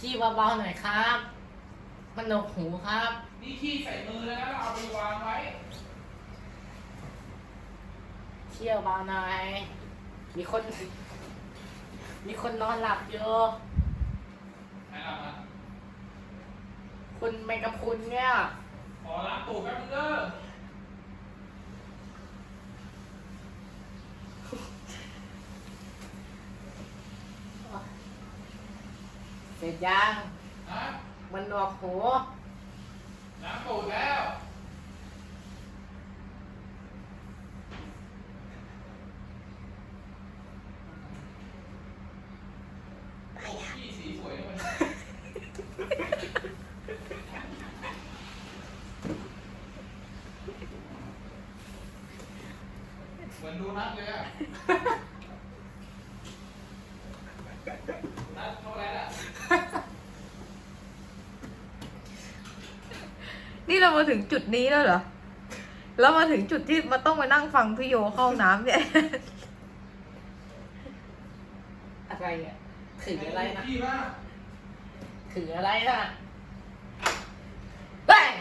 ขี้เบาๆหน่อยครับมันหนวกหูครับนี่ขี้ใส่มือแล้วนะเอาไปวางไว้เที่ยวเบาหน่อยมีคนนอนหลับอยู่ใครเอามาคุณแมงกะพรุนเนี่ยขอล้างตูดแป๊บนึงเด้อเสร็จยังฮะมันหนวกหูล้างตูดแล้วขี้สีสวยด้วยเหมือนดูนัดเลยอะนัดเท่าไรล่ะนี่เรามาถึงจุดนี้แล้วเหรอ แล้วมาถึงจุดที่มาต้องมานั่งฟังพี่โยเข้าห้องน้ำเนี่ยอะไรอ่ะถืออะไรนะขี้มากถืออะไรนะเฮ้ย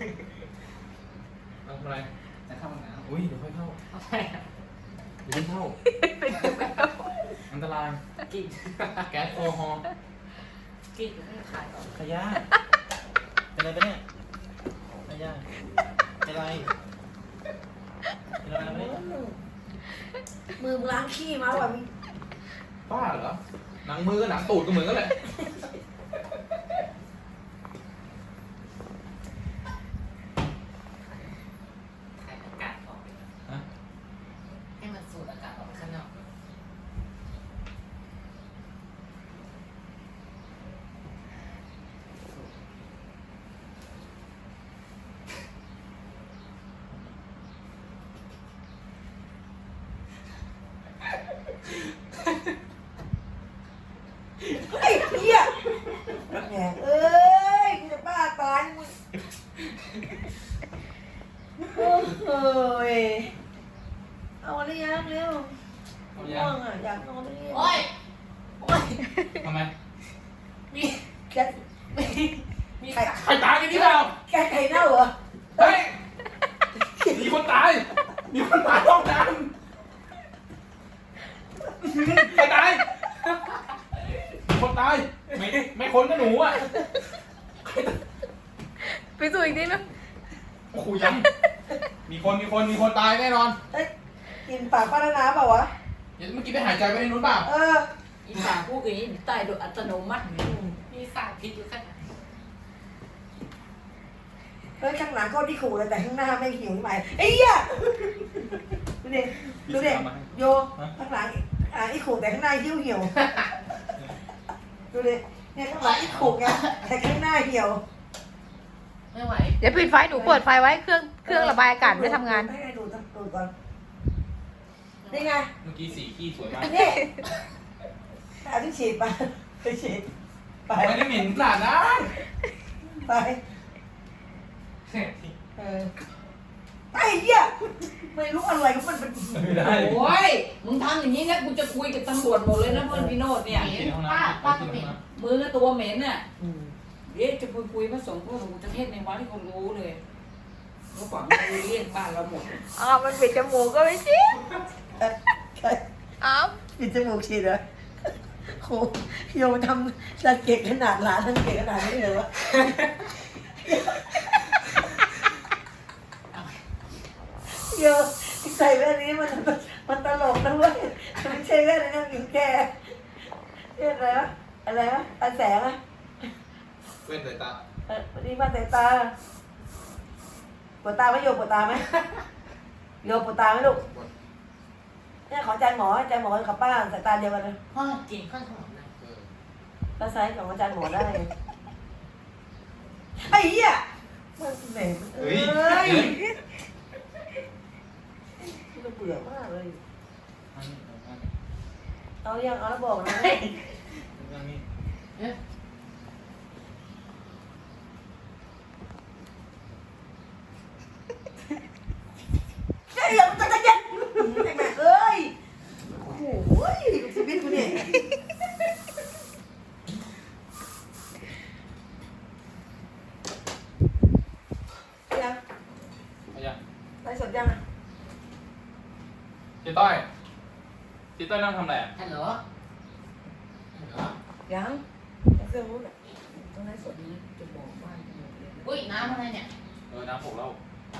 ทำอะไรจะเข้าห้องน้ำอุ้ยเดี๋ยวค่อยเข้าอะไรอ่ะเดี๋ยวเข้า อันตรายกินแก๊สโซฮอล์กินไม่ถ่ายหรอกขยะเป็นอะไรปะเนี่ยขยะเป็นอะไรเป็นอะไรปะเนี่ยมือมึงล้างขี้มาว่ะมึงบ้าเหรอ หนังมือกับหนังตูดก็เหมือนกันแหละถ่ายอากาศออกไปก่อนฮะให้มันสูดอากาศออกไปข้างนอกไอ้เหี้ยแหมเอ้ยกูจะบ้าตายมึงโอ้ยเอาอะไรยังเร็วเอาง่ยัวงงอ่ะอยากนอนเลยโอ้ยโอ้ยทำไมมีแกมีไข่ใครตายกันนี่เปล่าแกไข่เน่าเหรอเฮ้ย มีคนตาย มีคนตายห้องน้ำใครตาย คนตาย ไม่คนก็หนูอ่ะไปสู่อีกนิดนึงโอ้โหยังมีคนตายแน่นอนเอ้ยกินปากป้านานาเปล่าวะเดี๋ยวเมื่อกี้ไปหายใจไปในนู้นเปล่าเอออีสานพูดอย่างนี้ตายโดยอัตโนมัติมีสารพิษอยู่ขนาดเฮ้ยข้างหลังโคตรที่ขู่เลยแต่ข้างหน้าไม่หิวทำไมไอ้เหี้ยดูดิดูดิโยข้างหลังอีขู่แต่ข้างหน้าหิ้วเหี่ยวดูดิเนี่ยข้างหลังอีขู่ไงแต่ข้างหน้าเหี่ยวไม่ไหวเดี๋ยวปิดไฟหนูเปิดไฟไว้เครื่องระบายอากาศไม่ทำงานให้ดูก่อนนี่ไงเมื่อกี้สีขี้สวยมากนี่เอาที่ฉีดไปไปฉีดไปไม่ได้เหม็นขนาดนั้นไปไอ้เหี้ยไม่รู้อะไรก็มันเป็นไม่ได้โอ้ย มึงทำอย่างนี้นะกูจะคุยกับตำรวจหมดเลยนะเพื่อนพี่โนดเนี่ยป้าก็เหม็นมือก็ตัวเหม็นน่ะเดี๋ยวจะคุยพระสงฆ์พวกหลวงปู่จะเทศในวัดที่คนรู้เลยเมื่อก่อนมันเรียกบ้านเราหมดอ้าวมันปิดจมูกก็ไม่ชิอ้าวปิดจมูกฉีดเหรอโหโยมทำสังเกตขนาดหลานสังเกตขนาดนี้เลยวะโยใส่แว่นนี้มันตลกนะเว้ยไม่ใช่แว่นนะหญิงแกเรียกอะไรวะอะไรวะตาแสงอะเว้นสายตาวันนี้มาสายตาปวดตาไหมโยปวดตาไหมโยปวดตาไหมลูกเนี่ยขออาจารย์หมอกับป้าสายตาเดียวกันเลยพ่อกินข้าวหอมนะตาซ้ายของอาจารย์หมอได้ไอ้เหี้ยมันเหม็นเอ้ยมันเบื่อมากเลยเอายังเอาแล้วบอกนะเอ๊ะเฮ้ยอย่ามันจะเย็นไอ้แม่เอ้ยโอ้โหชีวิตกูเนี่ยต้อยนั่งทำอะไรอ่ะฮัลโหลฮัลโหลยังเครื่องนู้นอ่ะต้องได้สดนี้จะบอกบ้านจะหมดเลยนะอุ้ยน้ำอะไรเนี่ยน้ำหกเหล้า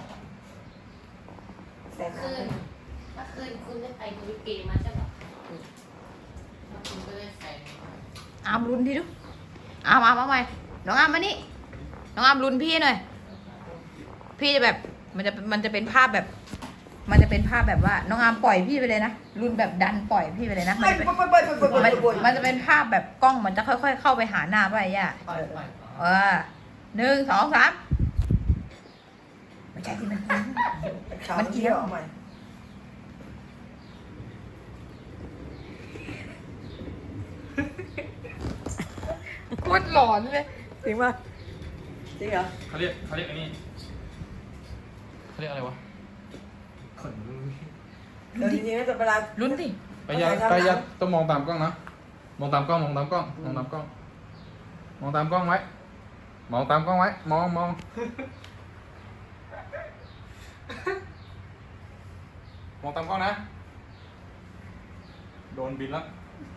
แสนเมื่อคืนคุณได้ไปดูลิเกมาใช่ปะแล้วคุณก็ได้ใส่อามรุนทีดูอามเอาใหม่น้องอามมานี่น้องอามรุนพี่หน่อยพี่จะแบบมันจะเป็นภาพแบบ มันจะเป็นภาพแบบว่าน้องอามปล่อยพี่ไปเลยนะรุนแบบดันปล่อยพี่ไปเลยนะไปไปไปไปไปไปมันจะเป็นภาพแบบกล้องมันจะค่อยๆเข้าไปหาหน้าไปย่าปล่อยปล่อย 1 2 3ไม่ใช่ที่มันกินมันเกี่ยวใหม่โคตรหลอนเลยจริงป่ะจริงเหรอเขาเรียกอันนี้เขาเรียกอะไรวะขนลุกเดี๋ยวจริงๆนะแต่เวลาลุ้นดิไปยัดต้องมองตามกล้องนะมองตามกล้องมองตามกล้องมองตามกล้องมองตามกล้องไว้มองตามกล้องไว้มองมองตามกล้องนะโดนบินแล้ว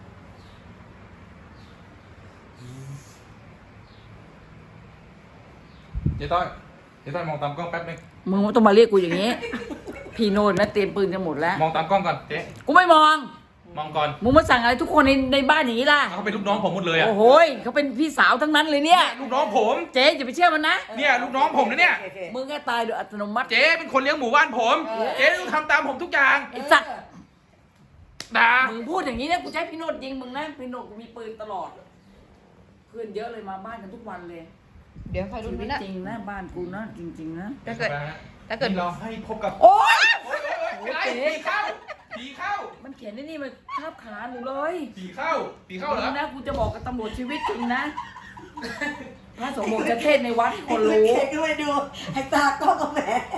เจ๊ต้อยมองตามกล้องแป๊บนึงมึงไม่ต้องมาเรียกกูอย่างนี้ พี่โนดนะเตรียมปืนกันหมดแล้วมองตามกล้องก่อนเจ๊กูไม่มองมองก่อนมึงมาสั่งอะไรทุกคนในบ้านอย่างนี้ล่ะเขาเป็นลูกน้องผมหมดเลยอ่ะโอ้โหยเขาเป็นพี่สาวทั้งนั้นเลยเนี่ยลูกน้องผมเจ๊อย่าไปเชื่อมันนะเนี่ยลูกน้องผมนะเนี่ยโอเคมึงก็ตายโดยอัตโนมัติเจ๊เป็นคนเลี้ยงหมู่บ้านผม เจ๊ต้องทำตามผมทุกอย่างไอ้สัตว์ด่ามึงพูดอย่างนี้นะกูจะให้พี่โนดยิงมึงนะพี่โนดกูมีปืนตลอด เพื่อนเยอะเลยมาบ้านกันทุกวันเลยเดี๋ยวใครชีลุ้นวิตนะจริงนะบ้านกูนะจริงๆนะถ้าเกิดนี่เราให้พบกับโอ๊ยอะไรผีเข้าผีเข้ามันเขียนไอ้นี่มาทับขาหนูเลยผีเข้าผีเข้าเหรอมึงนะกูจะบอกกับตำรวจชีวิตจริงนะพระสงฆ์บอกจะเทศในวัดให้คนรู้รู้ก็ไปดูไอ้ตาก็กับแหม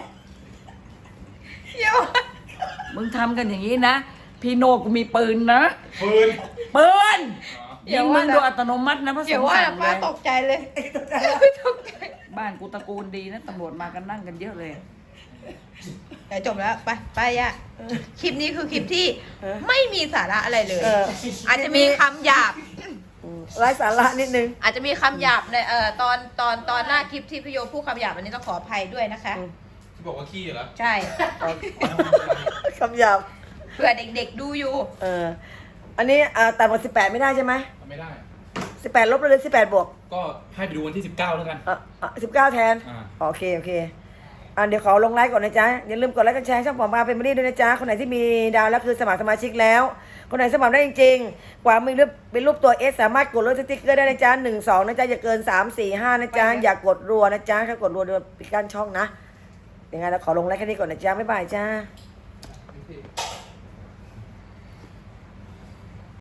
เดี๋ยวมึงทำกันอย่างนี้นะ พี่โนกูมีปืนนะปืนปืนเดี๋ยิยวงว่ามึงโดยอัตโนมัตินะพระสเดี๋ยวงฆ์ว่าสั่งป้าเลยตกใจเลยตกใจตกใจบ้านกูตระกูลดีนะตำรวจมากันนั่งกันเยอะเลยแต่จบแล้วไปย่าคลิปนี้คือคลิปที่ไม่มีสาระอะไรเลย อาจจะมีคำหยาบไร้สาระนิดนึงอาจจะมีคำหยาบในตอนหน้าคลิปที่พี่โยพูดคำหยาบอันนี้ต้องขออภัยด้วยนะคะที่บอกว่าขี้เหรอใช่คำหยาบเผื่อเด็กๆดูอยู่อันนี้ต่ำกว่า18ไม่ได้ใช่ไหมไม่ได้ 18ลบเลย18บวกก็ให้ไปดูวันที่19แล้วกัน 19แทนอ่าโอเคเดี๋ยวขอลงไลค์ก่อนนะจ๊ะอย่าลืมกดไลค์กดแชร์ช่องปอมปาเป็นมารีด้วยนะจ๊ะคนไหนที่มีดาวแล้วคือสมัครสมาชิกแล้ว คนไหนสมัครได้จริงๆกว่ามือเป็นรูปตัว S สามารถกดลดสติ๊กเกอร์ได้นะจ๊ะ1 2นะจ๊ะอย่าเกิน3 4 5นะจ๊ะอย่ากดรัวนะจ๊ะถ้ากดรัวเดี๋ยวปิดกั้นช่องนะยังไงเราขอลงไลค์แค่นี้ก่อนนะจ๊ะบ๊ายบายจ้า